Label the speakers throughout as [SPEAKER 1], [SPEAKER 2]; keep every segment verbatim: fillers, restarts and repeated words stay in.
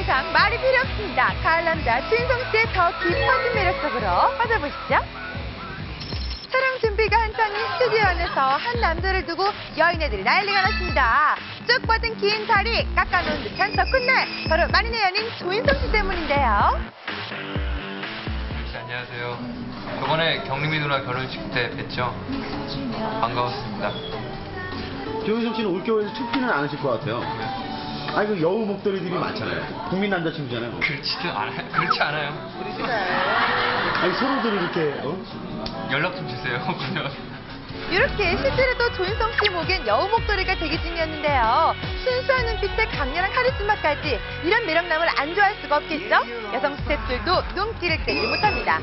[SPEAKER 1] 이상 말이 필요 없습니다. 가을 남자 조인성 씨의 더 깊어진 매력 속으로 빠져보시죠. 촬영 준비가 한창인 스튜디오 안에서 한 남자를 두고 여인애들이 난리가 났습니다. 쭉 뻗은 긴 다리, 깎아놓은 듯한 저 콧날, 바로 만인의 연인 조인성 씨 때문인데요.
[SPEAKER 2] 네, 안녕하세요. 저번에 경림이 누나 결혼식 때 뵀죠? 반가웠습니다.
[SPEAKER 3] 조인성 씨는 올겨울에서 춥지는 않으실 것 같아요. 아니, 그 여우 목도리들이 많잖아요. 국민 남자친구잖아요.
[SPEAKER 2] 그렇지도 않아요. 그렇지 않아요.
[SPEAKER 3] 아니, 서로들 이렇게, 어?
[SPEAKER 2] 연락 좀 주세요. 그러면.
[SPEAKER 1] 이렇게 실제로도 조인성 씨 목엔 여우 목도리가 대기 중이었는데요. 순수한 눈빛에 강렬한 카리스마까지 이런 매력남을 안 좋아할 수가 없겠죠? 여성 스태프들도 눈길을 떼지 못합니다.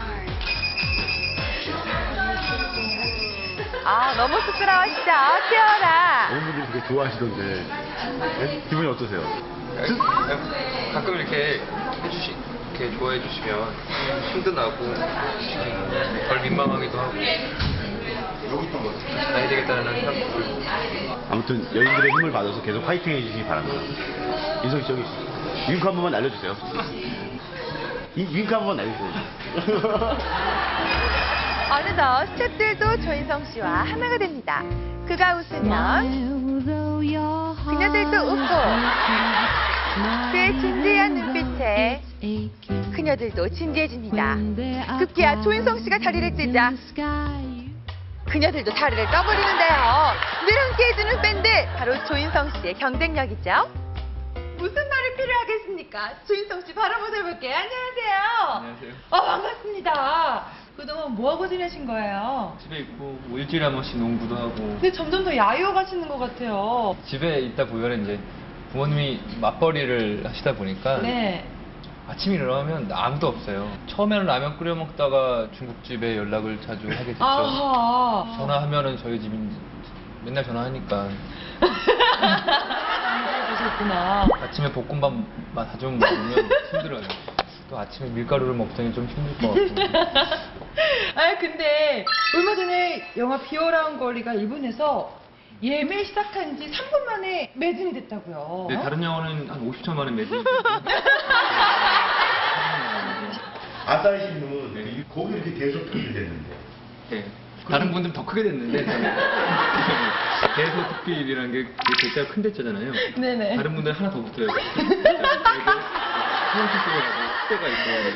[SPEAKER 1] 아, 너무 쑥스러워하시죠? 귀여워라.
[SPEAKER 3] 어느 분들이 되게 좋아하시던데. 네? 기분이 어떠세요?
[SPEAKER 2] 가끔 이렇게 해주시, 이렇게 좋아해 주시면 힘도 나고 덜 민망하기도 하고 나야 되겠다는 생각도 들고.
[SPEAKER 3] 아무튼 여인들의 힘을 받아서 계속 화이팅 해주시기 바랍니다. 인성 씨, 저기 윙크 한 번만 날려주세요. 이 윙크 한 번만 날려주세요.
[SPEAKER 1] 어느덧 스태프들도 조인성 씨와 하나가 됩니다. 그가 웃으면 그녀들도 웃고, 그의 진지한 눈빛에 그녀들도 진지해집니다. 급기야 조인성 씨가 다리를 찢자 그녀들도 다리를 떠버리는데요. 늘 함께해주는 밴드, 바로 조인성 씨의 경쟁력이죠. 무슨 말이 필요하겠습니까? 조인성 씨 바로 모셔볼게요. 안녕하세요.
[SPEAKER 2] 안녕하세요.
[SPEAKER 1] 아, 반갑습니다. 그동안 뭐하고 지내신 거예요?
[SPEAKER 2] 집에 있고 뭐 일주일에 한 번씩 농구도 하고.
[SPEAKER 1] 근데 점점 더 야유어 가시는 것 같아요.
[SPEAKER 2] 집에 있다 보면 이제 부모님이 맞벌이를 하시다 보니까
[SPEAKER 1] 네.
[SPEAKER 2] 아침에 일어나면 아무도 없어요. 처음에는 라면 끓여 먹다가 중국집에 연락을 자주 하게 됐죠.
[SPEAKER 1] 아하.
[SPEAKER 2] 전화하면은 저희 집이 맨날 전화하니까
[SPEAKER 1] 그러셨구나.
[SPEAKER 2] 아침에 볶음밥만 가져오면 먹으면 힘들어요. 또 아침에 밀가루를 먹더니 좀 힘들 것 같고.
[SPEAKER 1] 아, 근데 얼마 전에 영화 비어라운 거리가 일본에서 예매 시작한 지 삼 분 만에 매진이 됐다고요.
[SPEAKER 2] 근데 다른 영화는 한 오십 초 만에 매진.
[SPEAKER 3] 아싸리 씨는 거기 이렇게 계속 특필 됐는데.
[SPEAKER 2] 네. 다른 분들은 더 크게 됐는데 대소 특필이라는 게 글자가 큰 대자잖아요.
[SPEAKER 1] 네네.
[SPEAKER 2] 다른 분들은 하나 더 붙어요. 소원치 쓰고 때가 있어요.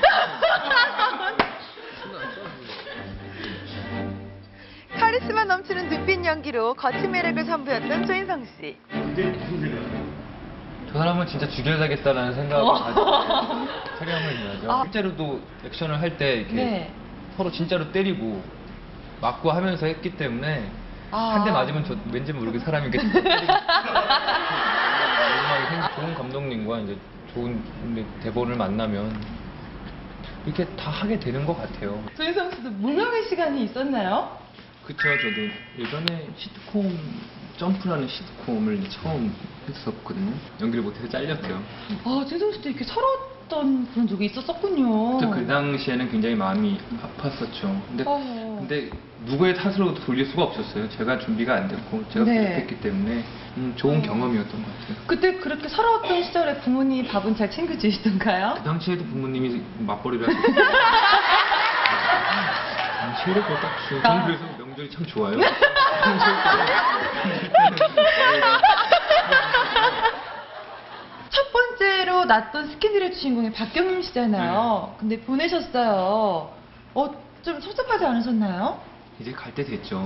[SPEAKER 1] 카리스마 넘치는 눈빛 연기로 거친 매력을 선보였던 조인성 씨.
[SPEAKER 3] 그때 무슨 생각이에요?
[SPEAKER 2] 저 사람은 진짜 죽여야겠다라는 생각을
[SPEAKER 1] 어.
[SPEAKER 2] 가지고 촬영을 해야죠.
[SPEAKER 1] 아.
[SPEAKER 2] 실제로도 액션을 할 때 이렇게
[SPEAKER 1] 네.
[SPEAKER 2] 서로 진짜로 때리고 맞고 하면서 했기 때문에
[SPEAKER 1] 아.
[SPEAKER 2] 한 대 맞으면 저 왠지 모르게 사람이 이렇게 때리고 좋은 감독님과 이제 좋은 대본을 만나면 이렇게 다 하게 되는 것 같아요.
[SPEAKER 1] 조인성 씨도 무명의 시간이 있었나요?
[SPEAKER 2] 그쵸, 저도 예전에 시트콤 점프라는 시트콤을 처음 했었거든요. 연기를 못해서 잘렸대요.
[SPEAKER 1] 아, 조인성 씨도 이렇게 서러웠던 그런 적이 있었었군요.
[SPEAKER 2] 그 당시에는 굉장히 마음이 아팠었죠. 근데,
[SPEAKER 1] 어.
[SPEAKER 2] 근데 누구의 탓으로 돌릴 수가 없었어요. 제가 준비가 안 됐고 제가
[SPEAKER 1] 네.
[SPEAKER 2] 부족했기 때문에 음, 좋은
[SPEAKER 1] 어.
[SPEAKER 2] 경험이었던 것 같아요.
[SPEAKER 1] 그때 그렇게 서러웠던 시절에 부모님 밥은 잘 챙겨주시던가요?
[SPEAKER 2] 그 당시에도 부모님이 맞벌이를 하셨어요. 당시에도 그렇다고. 저는 그래서 명절이 참 좋아요.
[SPEAKER 1] 첫 번째로 났던 스캔들의 주인공이 박경림 씨잖아요. 근데 보내셨어요. 어, 좀 섭섭하지 않으셨나요?
[SPEAKER 2] 이제 갈 때 됐죠.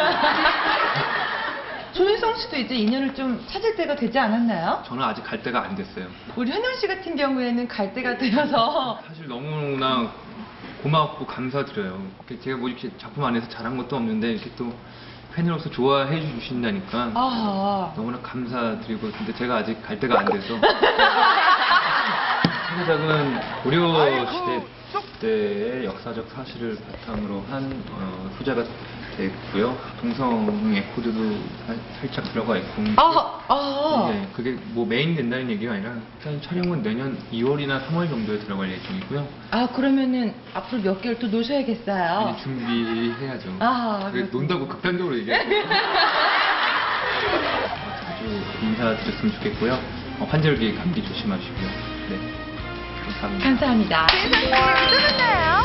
[SPEAKER 1] 조인성 씨도 이제 인연을 좀 찾을 때가 되지 않았나요?
[SPEAKER 2] 저는 아직 갈 때가 안 됐어요.
[SPEAKER 1] 우리 현영 씨 같은 경우에는 갈 때가 되어서
[SPEAKER 2] 사실 너무나 고맙고 감사드려요. 제가 뭐 이렇게 작품 안에서 잘한 것도 없는데 이렇게 또 팬으로서 좋아해 주신다니까
[SPEAKER 1] 아,
[SPEAKER 2] 너무나 감사드리고, 근데 제가 아직 갈 때가 안 돼서 차기작은 고려 시대 때의 역사적 사실을 바탕으로 한 어, 소재가 됐고요. 동성애 코드도 살, 살짝 들어가 있고.
[SPEAKER 1] 아, 아.
[SPEAKER 2] 네, 그게 뭐 메인 된다는 얘기가 아니라 일단 촬영은 내년 이월이나 삼월 정도에 들어갈 예정이고요.
[SPEAKER 1] 아, 그러면은 앞으로 몇 개월 또 노셔야겠어요.
[SPEAKER 2] 이제 준비해야죠.
[SPEAKER 1] 아,
[SPEAKER 2] 그게
[SPEAKER 1] 그렇군요.
[SPEAKER 2] 논다고 극단적으로 얘기해요. 자주 인사드렸으면 좋겠고요. 어, 환절기 감기 조심하시고요. 네. 감사합니다.
[SPEAKER 4] 감사합니다.
[SPEAKER 1] 진성 씨, 또 만나요.